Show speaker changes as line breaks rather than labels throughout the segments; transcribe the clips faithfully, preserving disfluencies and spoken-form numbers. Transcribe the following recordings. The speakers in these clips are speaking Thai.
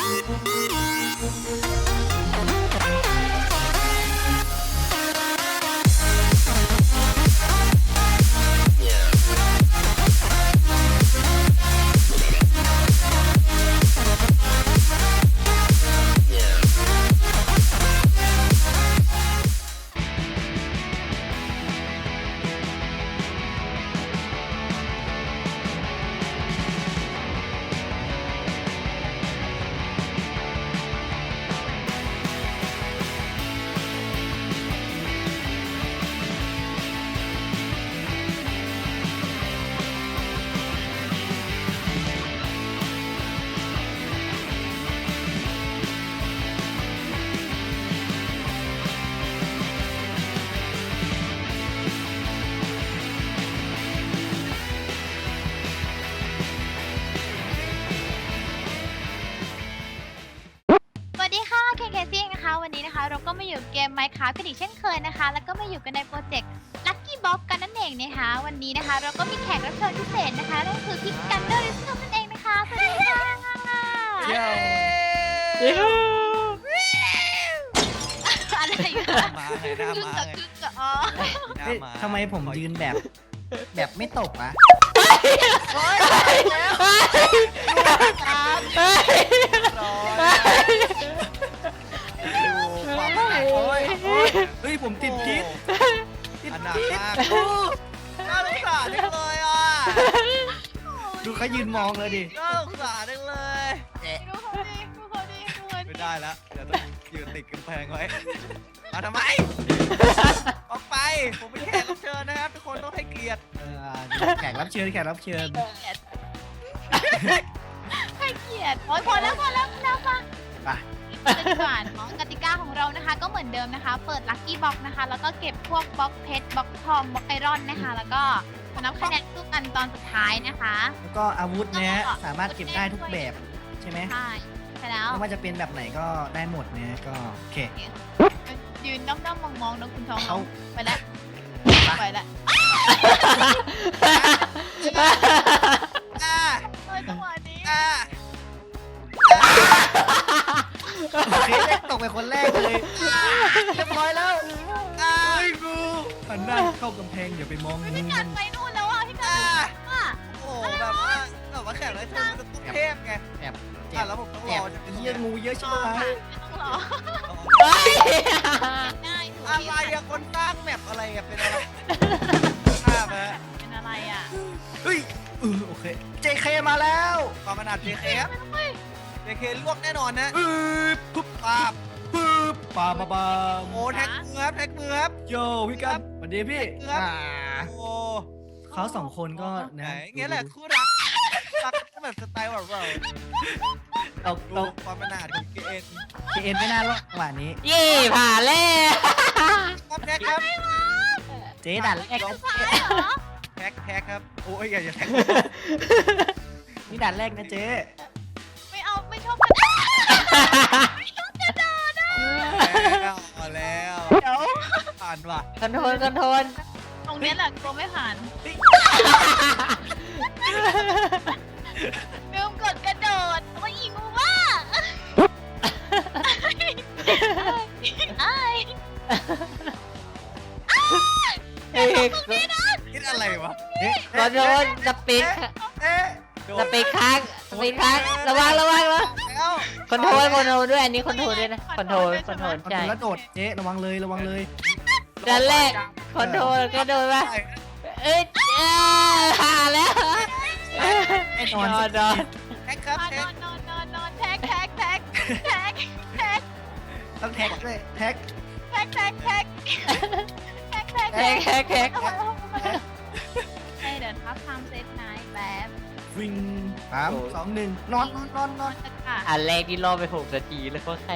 วันนี้นะคะเราก็มาอยู่เกม Minecraft กันอีกเช่นเคยนะคะแล้วก็มาอยู่กันในโปรเจกต์ Lucky Box กันนั่นเองนะคะวันนี้นะคะเราก็มีแขกรับเชิญพิเศษนะคะนั่นคือพี่กันเดอร์ลิสนั่นเองนะคะสวัสดีค่ะ
เย้
อะไรอยู่
มาไงหน้ามาไง
อ๋อ
ทำไมผมยืนแบบแบบไม่ตกอะเฮ้ยผมติดพิษ
ติดพิษน่าสงสารจังเลยอ่ะ
ดูเขายืนมองเลยดิ
น่าสงสารจังเลย
ดูเขาดิดูเขาดิดูเขาดิ
ไม่ได้แล้วเดี๋ยวต้องยืนติดกำแพงไว้มาทำไมออกไปผมเป็นแขกรับเชิญนะครับทุกคนต้องให้เกียรติ
แขกรับเชิญแขกรับเชิญ
ให้เกียรติโอ้ยพอแล้วพอแล้วนะฟัง
ไป
จะดีกว่าเนาะกติกาของเรานะคะก็เหมือนเดิมนะคะเปิดลัคกี้บ็อกนะคะแล้วก็เก็บพวกบล็อกเพชรบล็อกทองบล็อกไอรอนนะคะแล้วก็นับคะแนนสู้กันตอนสุดท้ายนะคะ
แล้วก็อาวุธเนี้ยสามารถเก็บได้ทุกแบบใช่ไหม
ใช่ใช่แล้ว
ไม่ว่าจะเป็นแบบไหนก็ได้หมดเนี้ยก็โอเค
ยืนด้อมๆมองๆนะคุณทองไปแล้วไปแล้วเฮ้ยจังหวะนี้
ตกไปคนแรกเลยเรียบร้อยแล้วไอ้กูหันหน้าเข้ากำแพงอย่าไปมอง
พี่กันไปนู่นแล้วอ่ะพี่กันว่า
โอ้แบบว่าแบบว่าแขกรับเชิญมันจะต้องเทพไง
แอบ
แล้วผมต้องรอจะเป็น
เยอะงูเยอะใช่ไหม
ต้องรอง่าย
อะไรอะคนสร้างแมปอะไรอะเป็นอะไรภาพอะ
เป็นอะไรอะ
เฮ้ยเออโอเค เจ เค มาแล้ว
ความขนาด เจ เค ครับ เจ เค ลวกแน่นอนนะ
ปึ๊บปาบปึ๊บปาบาบา
โอ้แท็กมือครับแท็กมือครับ
โยพี่กันสวัสดีพี่
โอ้
เขาสองคนก็
นะเงี้ยแหละคู่รักรักแบบสไตล์แบบเรา
เราเรา
ความขนาดของเกน
เกนไม่น่ารอดหวานนี้
เย่ผ่านแล้ว
ครับแท็กครับ
เจ๊ดันแรก
แท็กแท็กครับโอ้ยอย่าอย่าแท็ก
นี่ดันแรกนะเจ๊
ไม่เอาไม่ชอบกระโดดไม่ชอบกระโดด
แล้วมาแล้ว
เดี๋ยว
ผ่านว่ะ
คอนโทรลคอนโทรล
ตรงนี้แหละกลัวไม่ผ่านลืมกดกระโดดโอ้ยอีกูว่าไอ้
เฮ้ย
คิดอะไรวะ
คอนโทรลสปีดสปีดค้างสปีดค้างระวังระวังระวังคอนโทรลคอนโทรลด้วยอันนี้คอนโทรลด้วยนะคอนโทรลคอนโทรลใช่
แล้วโดดเจ๊ระวังเลยระวังเลย
ด้านแรกคอนโทรลก็โดนว่าเอ้ยหาแล้ว
ไอ้นอน
นอน
แท็กครับ
นอนนอนนอนนอนแท็กแท็กแท็กแท็กแท็ก
ต้องแท็กเลยแท็ก
แท็กแท็กแท็กแท็กแท็ก
แท็กแท็กแท็ก
เฮ้ยเดี๋ยวทับทำเซตไนท์แบบ
วิ่งสามสองหนึ่งนอนนอนนอนนอน
อันแรกที่รอไปหกนาทีแล้วก็ใคร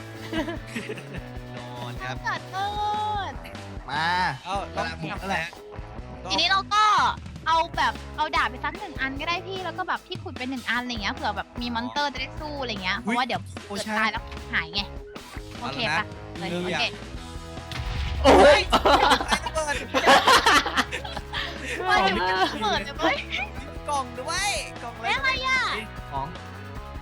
นอนครับ
กัดเอิด
มา
เอาต้องบุกแล้วแหละ
ทีนี้เราก็เอาแบบเอาดาบไปสักหนึ่งอันก็ได้พี่แล้วก็แบบพี่ขุดเป็นหนึ่งอันอะไรเงี้ยเผื่อแบบมีมอนเตอร์จะได้สู้อะไรเงี้ยเพราะว่าเดี๋ยวเกิดตายแล้วหายไงโอเคปะเลยโอเค
โอ้ย
ว่าเดี๋ยวมันจะเปิดเลยเว้ย
กล่องด้วยกล่อง
อะไรอ่ะ
ของ
ใช่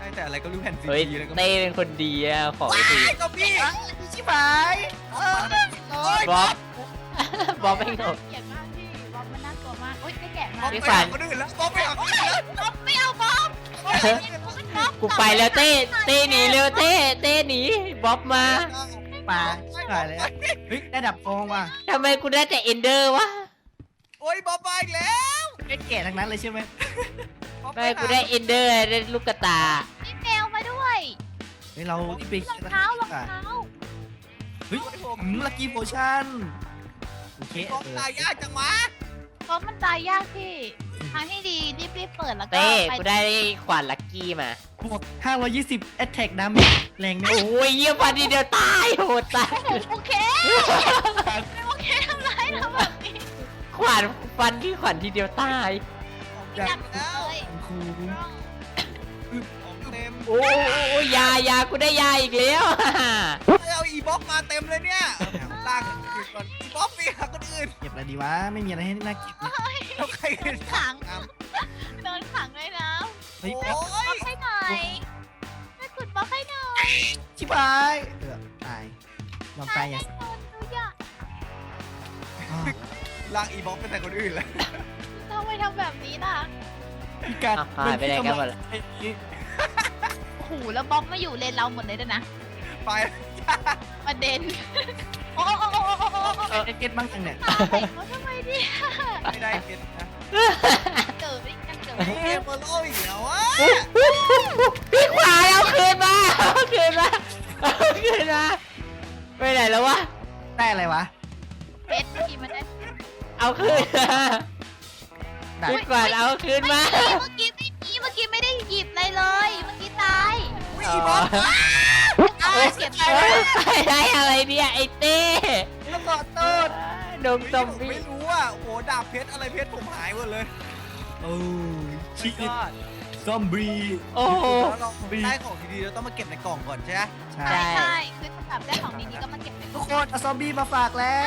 แต่อะไรก็รู้แผ่นซี
เฮ้ย
ดีเลยก็
เต้เป็นคนดีอะขอ
ไอ้
ที
ก็พี่
ชิบหายเออโอ้ย
บ๊อบบ๊อบไม่หน
น่าก เกลียดมากพี่บ๊อบมันน่ากลัวมากโอ๊ยไม่แกะมา
บ๊อบ
พี่
ไป
ขวั
หา
ญ
คนอื่นแล้วบ๊อบไปหาคนอื่นแล้ว
บ๊อบไม่เอาบ๊อบบ๊อบบ๊อบ
กูไปแล้วเต้เต้หนีเร็วเต้เต้หนีบ๊อบมา
มาชิบหายแล้วเฮ้ยได้ดับฟองว่ะ
ทำไมกูได้แต่เอนเดอร์วะ
โอ้ยบ๊อบมาอีกแล้ว
ไม่แก่ทั้งนั้นเลยใช่ไหม
บ๊อบ
ไม่กูได้เอนเดอร์ได้ลูกกระตา
มีแมวมาด้วย
เฮ้ยเราที่ไป
รองเท้ารองเท้า
เฮ้ยลักกี้โพชั่นโอเค
บ๊อบ
เออ
ตายยากจังวะ
บ๊อบมันตายยากพี่ทางที่ดีรีบๆเปิดแล้วก็
เต้
ไป
กูได้ขวานลักกี้มา
บวกห้าร้อยยี่สิบ attack damage แรงไหม
โอ้ยเยี่ยพันทีเดียวตายโหดตาย
โอเคโอเคทำไรเราแบบนี้
ขวานฟันที่ขวานทีเดียวตาย
ของ
จั
จั
ง
ง
เล
แล้ว
ย
ครู
ของเต็ม
โอ้ยยายากูได้ยาอีกแล้ว
เอาอีบ๊อบมาเต็มเลยเนี่ยล่างคนอื่นก่อนอีบ๊อบไปหาคนอื่น
เก็บอะไรดีวะไม่มีอะไรให้น่าเก็บเลย
แล้วใครเป็น
ขัง
ตาม
โดนขังเลยนะ
เฮ้ย
โอ้
บ๊อบ
ย
ให้หน่อยแม่ขุดบ๊อบให้หน่อย
ชิบหายเออตายลองตายอย่าง
โดนดูอย่า
อ้าว
ลากอีบ๊อบไปใส่คนอื่นแล้ว
ทำไมทำแบบนี้ล่ะ
พี่การ
อ่ะหายไปไหนกันหมดละ
โอ้โหแล้วบ๊อบมาอยู่เลนเราหมดเลยด้วยนะ
ไป
ประเด็นโอ้โอ้โอ้โอ้โอ้โอ้โอ้
เออเก็ตบ้างจังเนี่ย
ตายเขาทำไมเนี่ย
ไม่ได้เก็ตนะ
เกิดไม่กันเกิด
เอเบอร์โลอีกแล้ววะ
พี่ขวานเอาคืนมาเอาคืนมาเอาคืนมาไปไหนแล้ววะ
ได้อะไรวะ
เพชรเมื่อกี้มันได้
เอาคืนมา
ได้
พี่ขวานเอาคืนมา
เมื่อกี้ไม่มีเมื่อกี้ไม่ได้หยิบอะไรเลย เมื่อกี้ตาย
อุ้ยอีบ๊อบ
เอาเก็บไป
เอ้ยได้อะไรเนี่ยไอ้เต้
แล้วขอโทษ
ดงซอม
ผม
บี้
ไม่รู้อ่ะโอ้โหดาบเพชรอะไรเพชรผมหายหมดเลย
โอ้ยชี
ไม่
วิต
รอด
ซอมบี้
โอ้โห
แล้วเราได้ของดีๆเราต้องมาเก็บในกล่องก่อนใช่ไหม
ใช่
ใช่ใช่คือถ้าแบบได้ของดีๆก็มาเก็บไป
ทุกคนเอาซอมบี้มาฝากแล้ว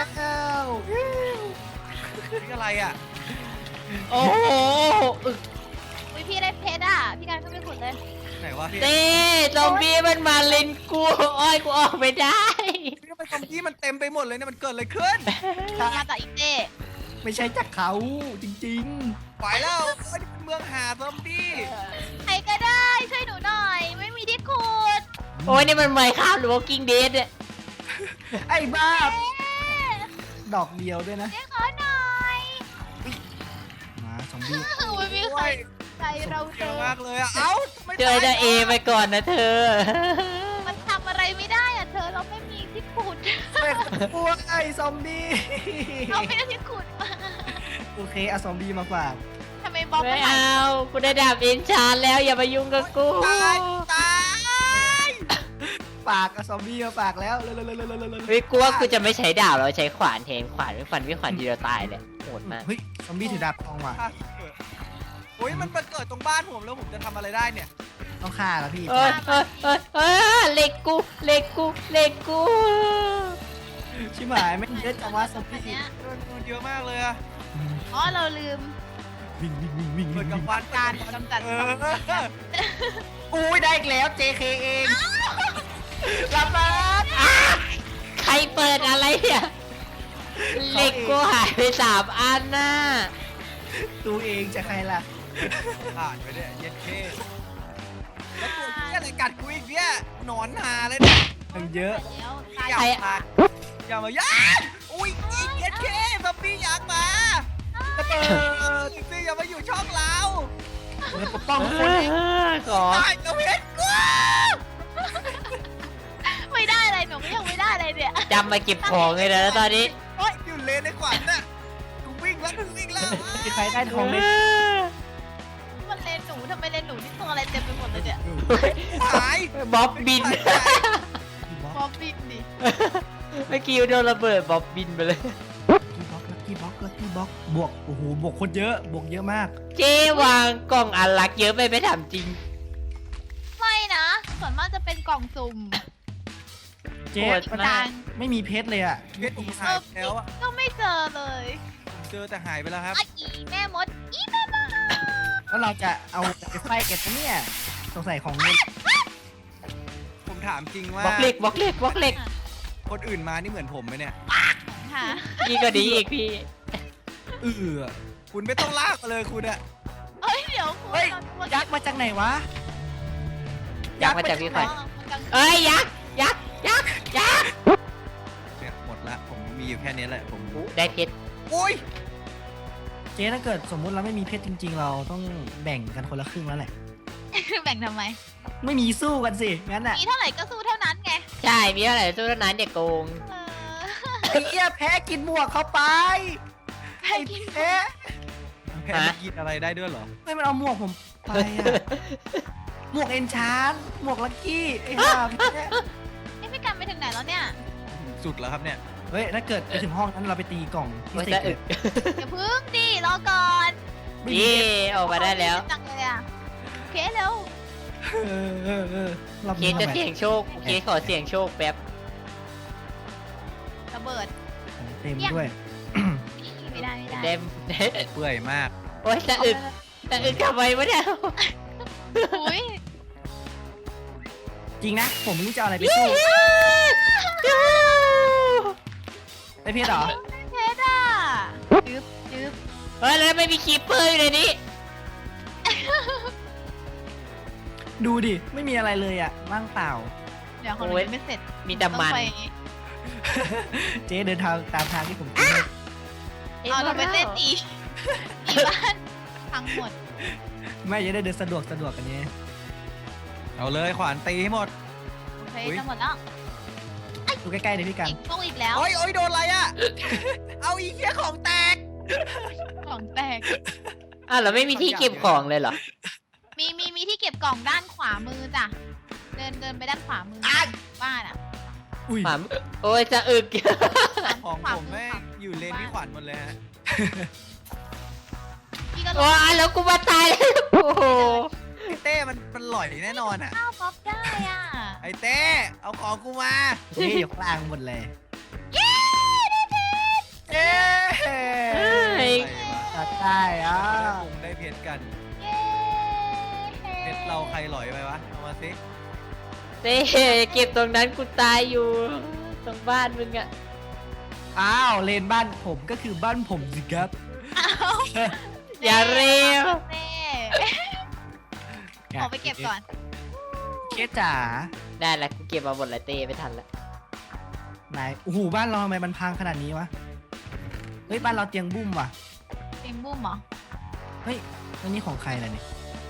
นี่อะไรอ่ะ
โอ้โหอึก
อุ้ยพี่ได้เพชรอ่ะ พี่การก็ไปขุดเลย
ไหนวะพี่
เต้ซอมบี้มันมาเล่นกูอ้อยกูออกไม่ได้
พี่ทำไมซอมบี้มันเต็มไปหมดเลยเนี่ยมันเกิดอะไรขึ้น
มาจากอีกเต้
ไม่ใช่จากเขาจริง
ไปแล้วเอ้ยนี่เป็นเมืองหาซอมบี้
ใครก็ได้ช่วยหนูหน่อย ไม่มีที่ขุด
ๆ
โอ้ยนี่มันไมค์ข้ามหรือ Walking Dead เนี่ย
ไอ้บ้า
เอ๊ะ
ดอกเดียวด้วยนะ
เจ๊ขอหน่อย
มาซอมบี้
ไม่มีใครใจเราเจ
เยอะ
อ
มากเลยอ่ะเอ้าทำไม
เจอจะเอไปก่อนนะเธอ
มันทำอะไรไม่ได้อ่ะเธอเราไม่มีที่ขุด
แม่งกลัวไอ้ซอมบี้
เราไม่ได้ที่ขุดมา
โอเคเอาซอมบี้มาฝาก
ทำไมบ๊อบ
ไม่
มันหาย
เอากูได้ดาบอินชานแล้วอย่ามายุ่งกับกู
ตายตาย
ฝากเอาซอมบี้มาฝากแล้วเร็วๆๆๆๆ
เฮ้ยกูว่ากูจะไม่ใช้ดาบเราใช้ขวานแทนขวานไม่ฟันไม่ขวานทีเดียวตายเลยโหดมาก
เฮ้ยซอมบี้ถือดาบทองว่ะ
โอ้ยมันมาเกิดตรงบ้านผมแล้วผมจะทำอะไรได้เนี่ย
ต้องฆ่าแล้วพี่
เอ้ยเอ้ยเอ้ยเอ้ยเหล็กกูเหล็กกูเหล็กกู
ชิบหายไม่งเยอะจังวะซอม
อัน
บี้
เนี้ย
มันเยอะมากเลยอะ
อ๋อเราลืม
วิ่งวิ่งวิ่งวิ่ง
เกิดกับบ้าน
การกำจัด
เอ
ซอม
อ
บี้
อุ้ยได้อีกแล้ว เจ เค เองรับมา
ใครเปิดอะไรเนี่ยเหล็กกูหายไปสามอันน่ะ
ตัวเองจะใครล่ะ
ผ่านไปเนี่ยเย็นเคแล้วตัวที่อะไรกัดกูอีกเนี่ยหนอนหาเลยเนี่ย
มันเยอะ
แล้วตาย
อย่ามาอย่ามาย่าอุ้ยอีกเย็นเคซอมบี้อยากมา
จะเปิด
จริงๆอย่ามาอยู่ช่องเรา
เปิดปกป้องทุกคน
ขอ
ตายกับเพชรกู
ไม่ได้อะไรหนูก็ยังไม่ได้อะไรเนี่ย
จำมาเก็บของเลยนะตอนนี้
โอ้ยอยู่เลนในขวัญน่ะกูวิ่งแล้วกูวิ่งแล้ว
มีใครได้ทองไหม
มันเลนหนูทำไมเลนหนูนี่ตัวอะไรเต็มไปหมดเลยเนี่ย
หาย
บ๊อบบิน
บ๊อบบินดิ
เมื่อกี้โดนระเบิดบ๊อบบินไปเลย
ลักกี้บ็อกลักกี้บ็อกลักกี้บ็อกบวกโอ้โหบวกคนเยอะบวกเยอะมาก
เจ๊วางกล่องอันลักเยอะไปไม่ถามจริง
ไม่นะส่วนมากจะเป็นกล่องสุ่ม
เจ๊
โหด
มัน
มาก
ไม่มีเพชรเลยอ่ะ
เพชรผมหายไปแล้วอะ
ก็ไม่เจอเลย
ผมเจอแต่หายไปแล้วครับ
อ่ะอีแม่มดอีแม่มด
แล้วเราจะเอาไปไฟกันปะเนี่ยสงสัยของเงิน
ผมถามจริงว่า
บล็อกเหล็กบล็อกเหล็กบล็อกเหล็ก
คนอื่นมานี่เหมือนผมไหมเนี่ย
ค่ะ
พี่ก็ดีอีกพี่
เออ
คุณไม่ต้องลากมาเลยคุณอะ
เฮ้ยเดี๋ยวคุณ
เฮ้ย
เรา
ยักษ์มาจากไหนวะ
ยักษ์มาจากพี่ขวัญ
อ๋อมันกลาง
เอ้ยยักษ์ยักษ์ยักษ์ยักษ์
เนี่ยหมดละผมมีอยู่แค่นี้แหละผม
อู้ได้เพชร
อุ้ย
เจ๊ถ้าเกิดสมมุติเราไม่มีเพชรจริง ๆ เราต้องแบ่งกันคนละครึ่งแล้วแหละ
แบ่งทำไม
ไม่มีสู้กันสิ งั้นอ่ะ
มีเท่าไหร่ก็สู้เท่านั้นไง
ใช่มีเท่าไหร่สู้เท่านั้นเด็กโกง
เออ
ไอ้เหี้ยแพ้กินหมวกเข้าไป
แพ้กิน
แพ้
แพ้ไม่กินอะไรได้ด้วยเหรอ
ไม่มันเอาหมวกผมไปอ่ะ หมวกเอนชานหมวกลักกี้ไอ้ห่าแพ้
เอ้พี่กันไปถึงไหนแล้วเนี่ย
สุดแล้วครับเนี่ย
เฮ้ยถ้าเกิดไปถึงห้องนั้นเราไปตีกล่องที่
โอ้ย
สิ
จะ
บ
อึก
อย่าพึ่งดิรอก่อน
ไม่มี
เย่ออกมาได้แล้ว
จังเลยอ่ะโอเคเร็ว
เออเออเออรอบ
เค
นี้
ส
ทำ
จะ
ไม
เสี่ยงโชคเคสขอเสี่ยงโชคแป๊บ
ระเบิด
เต็มด้วย
ไม่ได้ไม่ได้
เด็ม
เปื่อยมาก
โอ้ยจะอึกจะอึกทำไมวะเนี่ย
อุ้ย
จริงนะ ผมไม่รู้จะเอาอะไรไปสู้ได้เพชรเหรอ
เพชรอ่ะจึ๊บจึ๊บ
เฮ้ยแล้วไม่มีคีปเปอร์อยู่ในนี้
ดูดิ ไม่มีอะไรเลยอ่ะว่างเปล่า
เดี๋ยวของเรายังไม่เสร็จ
มีแต่มัน
ต้องไป
เจ๊เดินทางตามทางที่ผมคิดเลย
เอาเราไปเต้นอีกอีบ้านพังหมด
ไม่จะได้เดินสะดวกสะดวกกันนี้
เอาเลยขวานตีให้หมด
โอเค
อุ๊ย
จะหมดแล้ว
ดูใกล้ๆเลยพี่กัน
อีกโชคอีกแล้ว
โอ้ยโอ้ยโดนอะไรอะ เอาอีเหี้ยของแตก
ของแตก
อ้าวเราไม่มีที่เก็บของเลยเหรอ
มีมีมีที่เก็บกล่องด้านขวามือจ้ะ เดินเดินไปด้านขวามือบ้านอ่ะ
อุ้ย
หมาโอ้ยจะอึก
ของ
ขวา
ผม
มื
แม่
ขวาง
อยู่เลนพี่ขวัญหมดเลยฮะ
พี่ก็ลง
ว้าแล้วกูมาตายแล้วโอ้โห
ไอ้เต้มันมันหล่อยแน่นอนอะ
ข้าวป๊อปได้อ่ะ
ไอ้เต้เอาของกูมา
เจ๊อยู่ข้างล่างหมดเลย
เย้ได้เพชร
เย้
เฮ้ย
ตัดได้อ่ะ
ได้คงได้เพชรกัน
เย้
เพชรเราใครหล่อยไปวะ เอามาสิ
เต้เก็บตรงนั้นกูตายอยู่ ตรงบ้านมึงอะ
อ้าวเลนบ้านผมก็คือบ้านผมสิครับ
อ้าว
อย่าเร็ว
เน่ขอไปเก็บก่อน
เคสจ๋า
ได้ละกูเก็บมาหมดละเต้ไม่ทันละ
ไหนโอ้โหบ้านเราทำไมมันพังขนาดนี้วะ เฮ้ยบ้านเราเตียงบุ้มว่ะ
เต็มบุ้มเหรอ
เฮ้ยอันนี้ของใครล่ะเนี่ย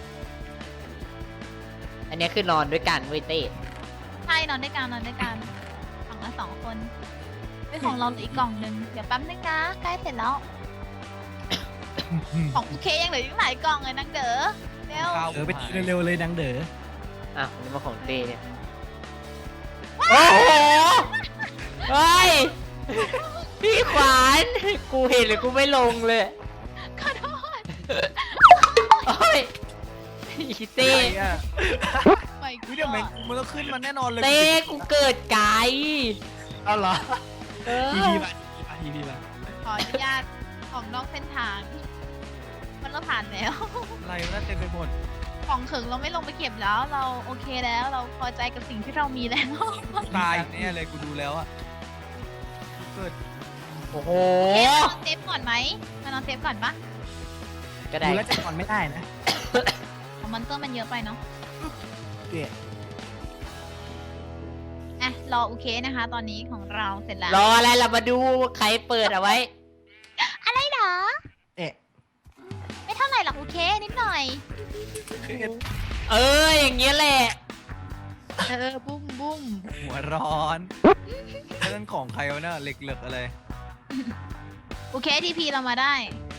อันนี้คือนอนด้วยกันเว้ยเต้
ใช่นอนด้วยกันนอนด้วยกันฝั่งละสองคนเป็นของเราเหลืออีกกล่องหนึ่งเดี๋ยวแป๊บนึงนะใกล้เสร็จแล้ว ของโอเคยังเหลืออีกหลายกล่องเลยนังเด๋อเร็ว
ข้าว
เออไปตีเร็วๆเลยดังเด๋อ
อ่ะอันนี้มาของเต้เนี่ย โอ้โห เฮ้ย พี่ขวาน กูเห็นเลยกูไม่ลงเลย
ขอโทษ
โอ้ยอีเต้
เต้อะ
ไม่
อุ๊ยเดี๋ยวแมงมุมมันต้องขึ้นมาแน่นอนเลย
เต้กูเกิดไกล
เอาเหรอ
เอ
อี
อ
พีมาอีพีมา
ขออนุญาตออกนอกเส้นทาง มันเราผ่านแล้ว
อะไรวะน่าเต็มไปหมด
ของถึงเราไม่ลงไปเก็บแล้ว เราโอเคแล้วเราพอใจกับสิ่งที่เรามีแล้ว
ตายแน่เลยกูดูแล้วอะเกิด
โอ้โห
เอ๊ะมานอนเซฟก่อนไหมมานอนเซฟก่อนปะ
ก็ได้
ดูแล้วจะนอนไม่ได้นะ
ของมอนเตอร์มันเยอะไปเนาะ
เกลียด
อ่ะรอโอเคนะคะ ตอนนี้ของเราเสร็จแล้ว
รออะไรเรามาดูใครเปิดเอาไว้
อะไรเหรอ
เอ๊ะ
ไม่เท่าไหร่หรอกโอเคนิดหน่อย
เออ อย่างเงี้ยแหละ
เออบุ้มบุ้ม
หัวร้อนเรื่องของใครวะเนี่ยเหล็กเหลือกอะไร
โอเคทีพีเรามาได้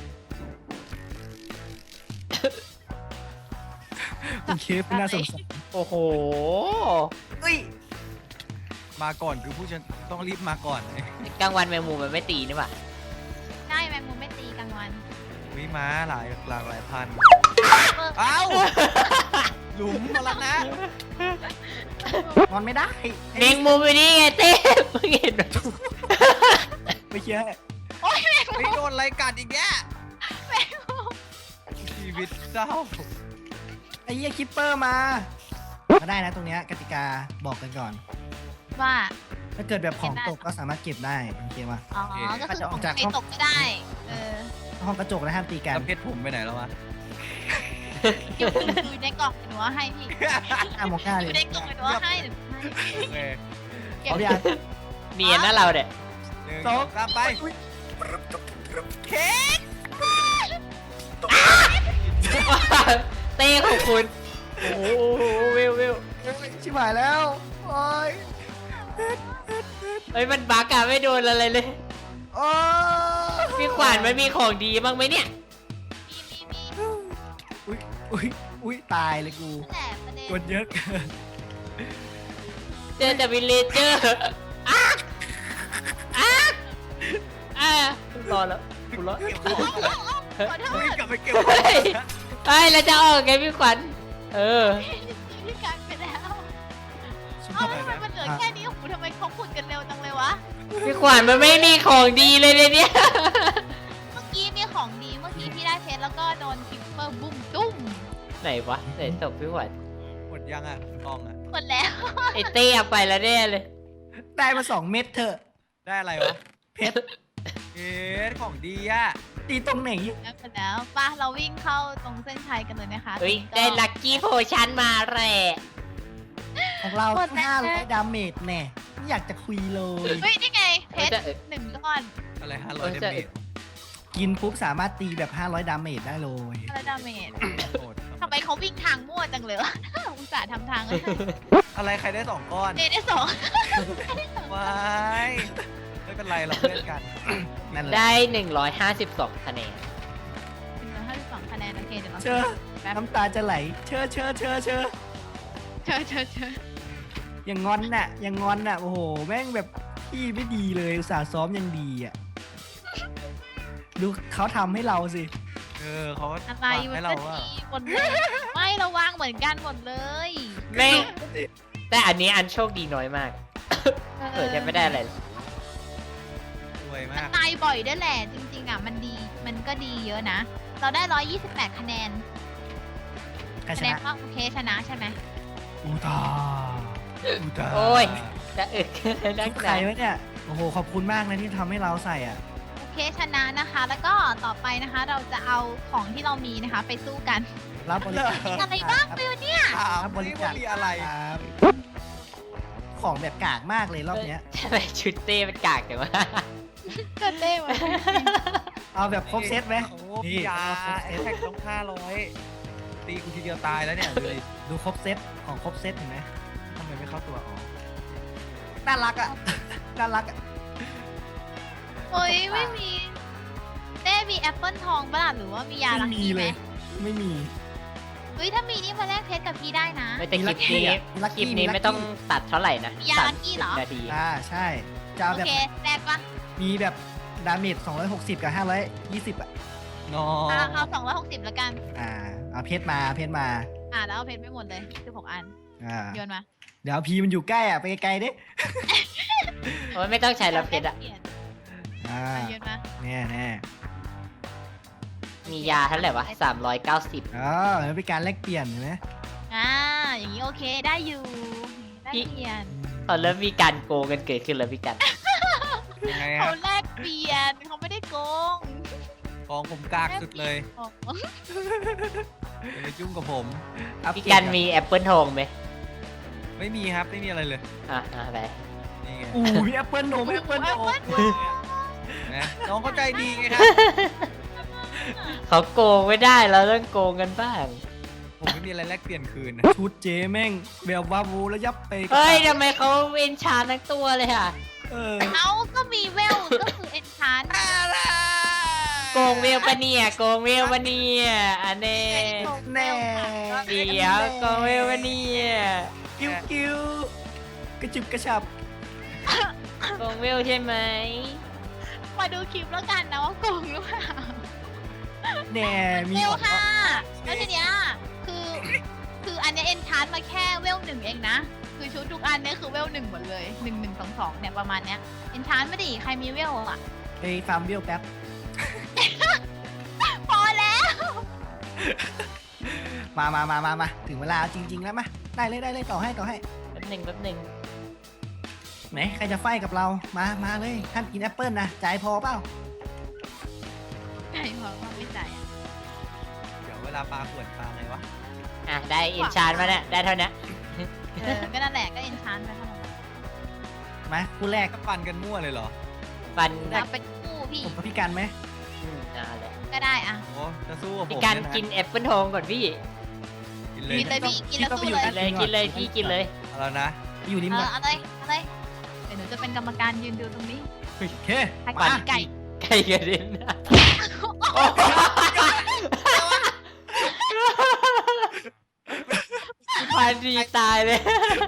คุณเคฟน่าสงสาร
โอ้โห
เฮ้ย
มาก่อนคือผู้ชนต้องรีบมาก่อน
กลางวันแมงมุมมันไม่ตีนี่หว่า
ใช่แมงมุมไม่ตีกลางวัน
วิม้าหลายหลากหลายพัน
เออ
เอ้าหลุมมาแล้วนะ
นอนไม่ได้
แมงมุมอยู่นี่ไงเต้มึงเห็นไหม
ไม่เชื่อ
โอ๊ยแมง
ไม่
มุม
โดนอะไรกัดอีกแย่
แมงมุม
ชีวิตเศร้า
ไออ้เหี้ยคิปเปอร์มาก็ได้นะตรงเนี้ยกติกาบอกกันก่อน
ว่า
ถ้าเกิดแบบของตกก็สามารถเก็บได้โอเคป่ะ
อ๋อ ก็คือของใครตกไม่ได้ เออ
ห้องกระจกแล้วห้ามตีกัน
แล้วเพชรผมไปไหนแล้ววะ
อยู่อยู่ในกล่องหนูเอาให้พี่
ห้ามมองหน้า
อ
เล
ยู่
ย
ในกล่องหนูเอาให้หนูให้
โอเค
เก็บ
เอาดิอ่ะ
เนียนนะเราเนี่ย
หนึ่ง
สอง
สามไป
เค้ก
เต้ของคุณ โอ้โหวิววิว
ชิบหายแล้วโอ้ย
เฮ้ยมันบักอะไม่โดนอะไรเลย
โอ้ย
พี่ขวานมันมีของดีบ้างไหมเนี่ย
มีมีมี
อุ้ยอุ้ยอุ้ยตายเลยกู
นั่นแหละประเด็น
กดเยอะเกิน
เจอแต่วิลเลเจอร์อ้าอ้าอ่ารอแล้วกูรอ
เก็บของ
ขอโท
วิ่ง
ษ
กลับไปเก็บ
เฮ้ยเฮ้ยเราจะออกไงพี่ขวัญเออ
พี่การไปแล้ว
ชิบ
เอ้า
หาย
ทำไมมันเหลือแค่นี้โอ้โหทำไมเขาขุดกันเร็วจังเลยวะ
พี่ขวัญมันไม่มีของดีเลยเนี่ย
เมื่อกี้มีของดี เมื่อกี้พี่ได้เพชรแล้วก็โดนคิปเปอร์บุ้มตุ้ม
ไหนวะไหนตบพี่ขวัญ
หมดยังอ่ะกองอ่ะ
หมดแล้ว
ไอเต้เอาไปแล้วแน่เลย
ได้มาสองเม็ดเถอะ
ได้อะไรวะ
เพชร
เพชรของดีอ่ะ
ตีตรงไหน
แล้วหมดแล้วป่ะเราวิ่งเข้าตรงเส้นชัยกันเลยนะคะ
เฮ้ย
ตรงนี้
ได้ลัคกี้โพชั่นมาแหละ
ของเราห้าร้อยดาเมจแน่ไม่อยากจะคุยเลย
เฮ้ยนี่ไงเพชร
เออ
หนึ่งก้อน
อะไรห้าร้อยเดเมจ
กินปุ๊บสามารถตีแบบห้าร้อยดาเมจได้เลย
อะไรดาเมจ
โหด
ทำไมเขาวิ่งทางมั่วจังเลยวะ อุตส่าห์ทำทางเลย
อะไรใครได้สองก้อน
เนได้สอง
วายไม่เป็นไรเราเพื่อนกัน
นั่นแหละ
ได้หนึ่งร้อยห้าสิบสองคะแนน
หนึ่งร้อยห้าสิบสองคะแนนโอเคเดี๋ยวเรา
เชอน้ำตาจะไหล เชอเชอเชอเชอ
เชิญเชิญเชิญ
อย่างงอนน่ะอย่างงอนน่ะโอ้โหแม่งแบบพี่ไม่ดีเลยอุตส่าห์ซ้อมยังดีอ่ะดูเขาทำให้เราสิ
เออเขา
อะไร
ฝาก
มั
ให้
น
เรา
ก็
ว่า
ดีหมดเลยไม่เราวางเหมือนกันหมดเลย
ไม่แต่อันนี้อันโชคดีน้อยมาก เออจะไม่ได้อะไรเลย
รวย
มัน
มาก
ตายบ่อยด้วยแหละจริงๆอ่ะมันดีมันก็ดีเยอะนะ เราได้ร้อยยี่สิบแปดคะแนน
ใครช
คะแนน
นะ
ว่าโอเคชนะใช่ไหม
อูตาอูตา
โอ้ย จะอึกนั
ชุ
ก
ด
ห
ใคร
นาว
ะเนี่ยโอ้โหขอบคุณมากนะที่ทำให้เราใส่อ่ะ
โอเคชนะนะคะ แล้วก็ต่อไปนะคะ เราจะเอาของที่เรามีนะคะ ไปสู้กัน
รับบริจาค
มีอะไรบ้างฟิวเนี่ย
ถาม
รับบริ
นี่
จา
ว่า
ค
มีอะไร
ครับของแบบกากมากเลยรอบเนี้ย
ทำไมชุดเต้เป็นกากจังวะ
เกิดเต้มา
เอาแบบครบเซตไหม
โอ้
นี่
ยา
เอาครบ
แอ
เซต
คแท็กต้องห้าร้อยตีกูทีเดียวตายแล้วเนี่ยดูดิ
ดูครบเซตของครบเซตเห็นไหม
ทำไมไม่เข้าตัวอ๋อ
น่ารักอ่ะ น่ารักอ่ะ
โอ้ยไม่มีเต้มีแอปเปิลทองบ้าหรือว่ามียาลั
ไม่
ง
มี
กี้ไห
เล
ม
ย ไม่มี
เฮ้ยถ้ามีนี่มาแลกเพชรกับพี่ได้นะ
ไม่แต่คลิปนี้
มีลัค
ค
กี้
ลิปนี้
มีลัคกี้
ไม่ต้องตัดเท่าไหร่นะ
มียา
ตัด
ลัคกี้เหรอ
สิบนาที
อ่าใช่ จะเอา
โอ
แบบ
เคแลกปะ
มีแบบดาเมจสองร้อยหกสิบกับห้าร้อยยี่สิบอ่ะ
นอ
อ่ะเอาสองร้อยหกสิบแล้วกัน
อ่า เอาเพชรมาเพชรมา
อ่ะแล้วเอาเพชรไม่หมดเลยสิบหกอัน
อ่า
โยนมา
เดี๋ยวพีมันอยู่ใกล้อ่ะ ไปไกลๆดิ
โอ้ยไม่ต้องใช้แล้วเพชรอะ
ปลี่ยน
อ่า
อ่ะโยนมา
แน่แน่
มียาเท่าไหร่วะสามร้อยเก้าสิบ
อ๋อแล้วเป็นการแลกเปลี่ยนเห็นไหม
อ่าอย่างนี้โอเคได้อยู่ได้เปลี่ยน
เขาเริ่มมีการโกงกันเกิดขึ้นแล้วพี่กัน
ยังไงค
เขา
รับ
แลกเปลี่ยนเขาไม่ได้โกง
กองผมกากสุดเลย
อ๋อ
อย่ามายุ่งกับผม
อัป
พี่
เดต
กันมีแอปเปิลทองไหม
ไม่มีครับไม่มีอะไรเลย
อ่ะอ่ะไป
นี่ไง
อู้มีแอปเปิลโนมแอปเปิลโนม
นะน้องเข้าใจดีไงครับ
เขาโกงไม่ได้เราต้องโกงกันบ้าง
ผมไม่มีอะไรแลกเปลี่ยนคืนนะ
ชุดเจแม่งแบบวาวูแล้วยับไป
เฮ้ยทำไมเขาเอนชานทั้งตัวเลยอ่ะ
เออ
เอาก็มีเวลก็คือเอ็นชาน
โกงเวลปะเนี่ยโกงเวลปะเนี่ยอันเน่
แน่
เดี๋ยวโกงเวลปะเนี่ย
กิ้วกิ้วกระจุบกระชับ
โกงเวลใช่ไหม
มาดูคลิปแล้วกันนะว่าโกงหรือเปล่า
แน่มี
เวล
ของ
ค่ะแล้วทีเนี้ยคือคืออันเนี้ยเอ็นชานมาแค่เวลหนึ่งเองนะ คือชุดทุกอันเนี้ยคือเวลหนึ่งหมดเลยหนึ่งหนึ่งสองสองเนี่ยประมาณเนี้ยเอ็นชานไม่ดิใครมีเวลอ่ะ
ไปฟาร์มเบี้ยวแป๊บ
พอแล้ว
มามามามามาถึงเวลาจริง ๆ แล้วมาได้เลยได้เลยต่อให้ต่อให้
แป๊บหนึ่งแป๊บหนึ่ง
ไหนใครจะไฟกับเรามามาเลยท่านกินแอปเปิลนะจ่ายพอเปล่า
ใช่เพราะว่าไม่จ่ายอะ
เดี๋ยวเวลาปลาขวดปลาไงวะ
อ่ะได้อินชานมาเนี่ยได้เท่านี้
เออก็นั่นแหละก็เอ็นชานไปเท่านั้น
มาคู่แรก
ก็ปั่นกันมั่วเลยเหรอ
ฟัน
เราเป็นคู่พี่
ผมกับพี่กันไหม
อืมเอ่าแหละ
ก็ได้อ่ะ
โอ้จะสู้กับผม
พี่การ
เยะ
กินแอปเปิลทองก่อนพี่
กินเล
กิ
ย
นเลยพี่กินแล้วสู้เลย
กินเลยกินเลยพี่กินเลย
เอาแล้วนะ
ไปอยู่ริม
เอ
ก่อ
อน เอาเลยเอาเลยเดี๋ยวหนูจะเป็นกรรมการยืนดูตรงนี้
โอเค
ให้
มา
ไก่
ไก่กระเด็นพันดีตายเลย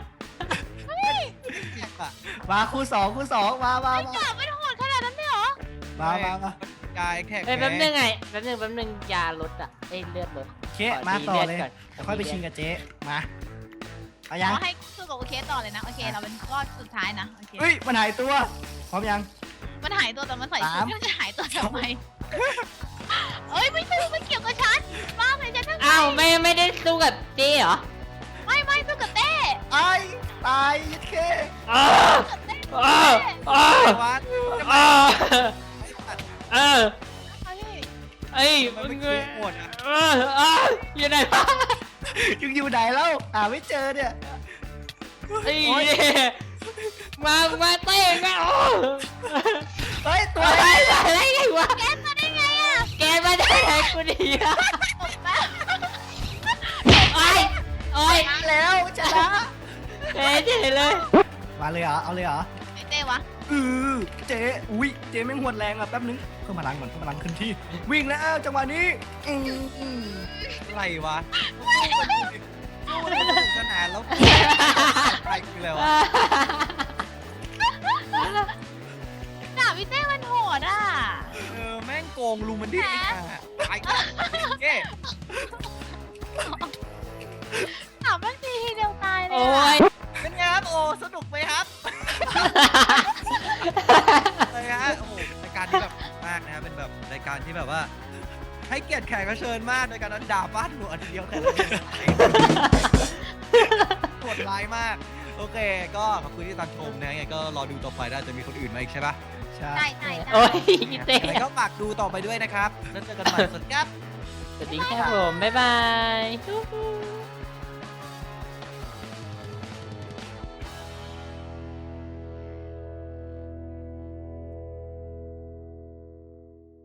มาคู่สองคู่สองมามา
ไอ้
มา
จ่าไม่โหดขนาดนั้นเลยเหรอ
มามามา
กายแขก
เอ้ยแป๊บนึงไงแป๊บนึงแป๊บนึงยาลดอ่ะเอ้ยเลือดลด
โอเคมาต่อเลย
ก่อน
เดี๋ยวค่อยไปชิงกับเจ๊มาเอา
ข
ยัง
อให้สู้กับโอเคต่อเลยนะโอเคเราเป็นก้อนสุดท้ายนะโอเค
เฮ้ยมันหายตัวพร้อมยัง
มันหายตัวแต่มันใส่ชุ
สา
ด
ม
มันจะหายตัวทำไมเอ้ยไม่สู้ไม่เกี่ยวกับฉันมากเลยฉันทั้ง
อ้าวไม่ไม่ได้สู้กับเจ๊เหรอ
ไม่ไม่สู้กับเต้
ไอ้ตายยัดเค
อ้าว
กับเต้
อ้าวอ้าว
วัด
อ้าว
ไอ้สัตว์
เออ
เฮ้ย
ไอ้
มัน
มึ
ไม่
ง
คิดหมดอ่ะ
เออเอออยู่ไหนวะ
ยังอยู่ไหนแล้วอ่าไม่เจอเนี่ย
ไอ้มามาเต้มาโอ้
เฮ้ยตัว
อะไร
อะไร
อะไรไงวะ
แกมาได้ไงอ่ะ
แกมาได้ไงกูดีอะ
ตบแป๊บ
โอ้ยโอ้ย
มาแล้วชนะ
เจ๊เจ๊เลย
มาเลยเหรอเอาเลยเหรอ
ไอ้เต้วะ
อือเจ๊อุ้ยเจ๊แม่งหวดแรงอ่ะแป๊บนึงเพิ่มพลังก่อนเพิ่มพลังขึ้นที่วิ่งแล้วจังหวะนี้อืออือ
อะไรวะสู้มันสนุกสนานแล้วใครคืออะไรวะ
ด่าพี่เต้มันโหดอ่ะ
เออแม่งโกงลุงมันดิไอ้ห่าตายกันเก้
ด่ามันทีทีเดียวตายเลย
โอ้
อะ
ย
เป็นไงครับโอ้สนุกไหมครับเลยฮะโอ้โหเป็นรายการที่แบบมากนะครับเป็นแบบรายการที่แบบว่า ให้เกียรติแขกรับเชิญมากโดยการนั้นด่าบ้านหนูอันเดียวแต่ละคนโหดร้ายมาก โอเค ก็ขอบคุณที่ตามชมนะยังไงก็รอดูต่อไปได้จะมีคนอื่นมาอีกใช่ปะ
ใช่
ใช่ใช่ใช่
โอ้ยเต้
ยังไงก็ฝากดูต่อไปด้วยนะครับแล้วเจอกันใหม่สวัสดีครับ
สวัสดีครับผม บ๊ายบาย